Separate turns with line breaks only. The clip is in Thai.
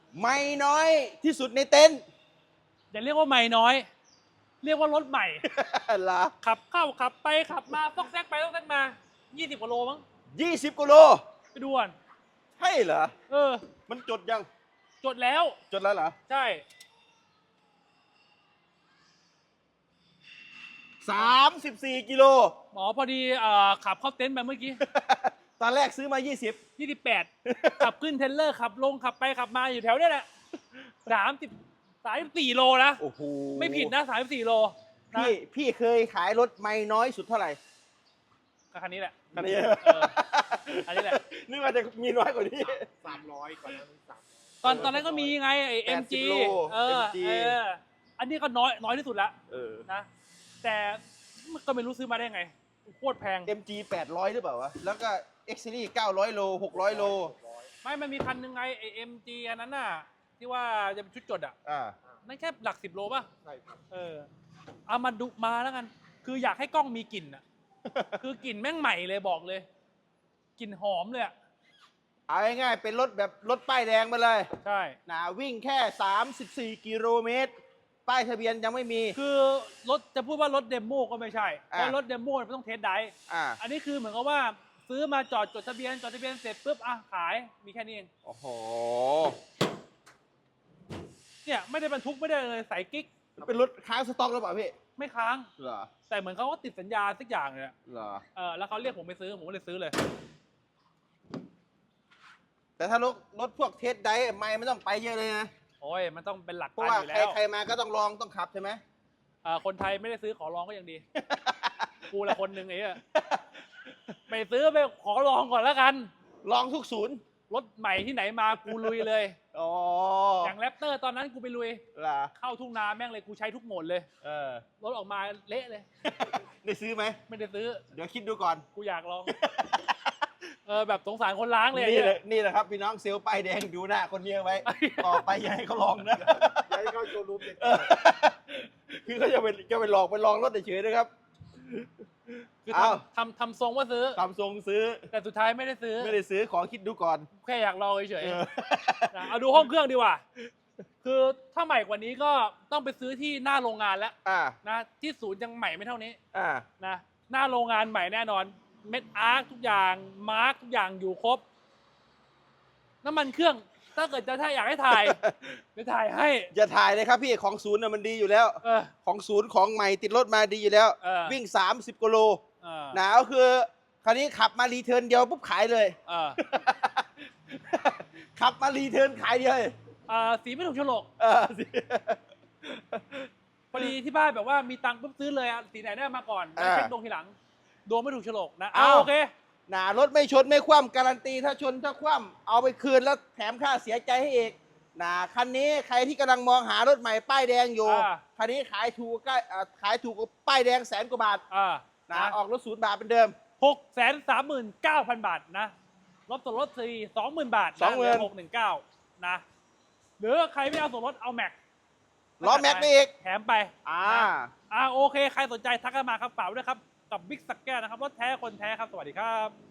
ไม่น้อยที่สุดในเต็นท์
อย่าเรียกว่าใหม่น้อย เรียกว่ารถใหม่
เหรอ
ขับเข้าขับไปขับมาซอกแซกไปซอกแซกมา20 กว่าโลมั้ง
20กิโล
ไปดูก่อน
ใช่เหรอ
เออ
มันจดยัง
จดแล้ว
จดแล้วเหรอ
ใช่
34กิโล
หมอพอดีขับเข้าเต็นท์ไปเมื่อกี้
ตอนแรกซื้อมา
28 ขับขึ้นเทรลเลอร์ขับลงขับไปขับมาอยู่แถวเนี้ยแหละ34 โลนะ
20โอ้โห
ไม่ผิดนะ34 โลนะ
พี่เคยขายรถไม่น้อยสุดเท่าไหร่
ก็คันนี้แหละ
คันนี้
อันนี้แหละ
นึกว่าจะมีน้อยกว่านี้
300 กว่านั้น
ตอนนั้นก็มีไงไอ้ MG
โล
MG อันนี้ก็น้อยที่สุดละ
เออ
นะ แต่ก็ไม่รู้ซื้อมาได้ไงโคตรแพง
MG 800หรือเปล่าวะ แล้วก็ X Series 900 โล 600 โล
ไม่มันมีคันหนึ่งไงไอ้ MG อันนั้นน่ะที่ว่าจะเป็นชุดจดอ่ะ
อ่า
นั่นแค่หลัก10 โลป่ะ
ใช่ครับ
เอามาดูมาแล้วกัน คืออยากให้กล้องมีกลิ่นอ่ะ คือกลิ่นแม่งใหม่เลยบอกเลยกลิ่นหอมเลยอ่ะ
เอาง่ายๆเป็นรถแบบรถป้ายแดงมาเลย
ใช่
นะวิ่งแค่ 34 กิโลเมตร ป้ายทะเบียนยังไม่มี
คือรถจะพูดว่ารถเดโมก็ไม่ใช่เพ
อ่ะ
ราะรถเดโมมันต้องเทสไดรฟ์
อ่า
อันนี้คือเหมือนกับว่าซื้อมาจอดจดทะเบียนเสร็จปุ๊บอ่ะขายมีแค่นี้เอง
โอ้โห
เนี่ยไม่ได้บรรทุกไม่ได้เลยใส่กิ๊ก
เป็นรถค้างสต็อกหรือเปล่าพี่
ไม่ค้าง
เหรอ
แต่เหมือนเขาก็ติดสัญญาสักอย่างเลยอะ
เหรอ
แล้วเขาเรียกผมไปซื้อผมก็เลยซื้อเลย
แต่ถ้ารถพวกเทสไดร์ไม่ต้องไปเยอะเลยนะ
โอ้ยมันต้องเป็นหลัก
เพราะ
การ
ว่า
อยู่แล้ว
ใครมาก็ต้องลองต้องขับใช่ไหม
คนไทยไม่ได้ซื้อขอลองก็ยังดี กูละคนหนึ่งไอ้เหี้ยไปซื้อไปขอลองก่อนแล้วกัน
ลองทุกศูนย์
รถใหม่ที่ไหนมากูลุยเลย
อ๋อ
อย่างแรปเตอร์ตอนนั้นกูไปลุย
เหรอ
เข้าทุ่งนาแม่งเลยกูใช้ทุกโหมดเลย
เออ
รถออกมาเละเลย
ได้ซื้อไหม
ไม่ได้ซื้อ
เดี๋ยวคิดดูก่อน
กูอยากลอง แบบสงสารคนล้างเลย
นี่
ไอ้
แห
เหี้
ละ
ย
นี่แหละครับพี่น้องเซลล์ป้ายแดงดูหน้าคนนี้ไว้ ต่อไปอย่าให้เขาลองนะ
ย้ายเข้าโชว์รูมเด็ก
เออคือเขาจะไปลองรถเฉยๆนะครับ
คือ
อ้าว
ทำทรงว่าซื้อ
ซัมซุงซื้อ
แต่สุดท้ายไม่ได้ซื้อ
ไม่ได้ซื้อขอคิดดูก่อน
แค่อยากลองเฉย
เออ
ๆนะเอาดูห้องเครื่องดีกว่า คือถ้าใหม่กว่านี้ก็ต้องไปซื้อที่หน้าโรงงานแล้ว
อ่า
นะที่ศูนย์ยังใหม่ไม่เท่านี้
อ่า
นะหน้าโรงงานใหม่แน่นอนเม็ดอาร์คทุกอย่างมาร์คทุกอย่างอยู่ครบ น้ำมันเครื่องถ้าเกิดจะถ้าอยากให้ถ่าย จะถ่ายให้
อย่าถ่ายเลยครับพี่ของศูนย์น่ะมันดีอยู่แล้ว
เออ
ของศูนย์ของใหม่ติดรถมาดีอยู่แล้ว
เออ
วิ่ง 30กิโล
เออ
หนาวคือคราวนี้ขับมารีเทิร์นเดียวปุ๊บขายเลย
เออ
ขับมารีเทิร์นขายเดียวเลย
สีไม่ถูกโฉลก
เออสิ
พอดีที่บ้านแบบว่ามีตังค์ปุ๊บซื้อเลยอะสีไหนได้มาก่อนแล้วเช็คดวงทีหลังดวงไม่ถูกโฉลกนะโอเค
หนารถไม่ชนไม่คว่ำการันตีถ้าชนถ้าคว่ำเอาไปคืนแล้วแถมค่าเสียใจให้อีกคันนี้ใครที่กำลังมองหารถใหม่ป้ายแดงอยู่ คันนี้ขายถูกขายถูกกว่าป้ายแดง100,000 กว่าบาทออกรถ0 บาทเป็นเดิม
639,000 บาทนะลดส่วนลด4 20,000 บาทนะเหลือ619นะหรือใครไม่เอาส่วนลดเอาแม็ก
ล้อแม็กไปอีก
แถมไป
อ่า
โอเค ใครสนใจทักกันมาครับฝากไว้ด้วยครับ กับบิ๊กสักแก้วนะครับรถแท้คนแท้ครับ สวัสดีครับ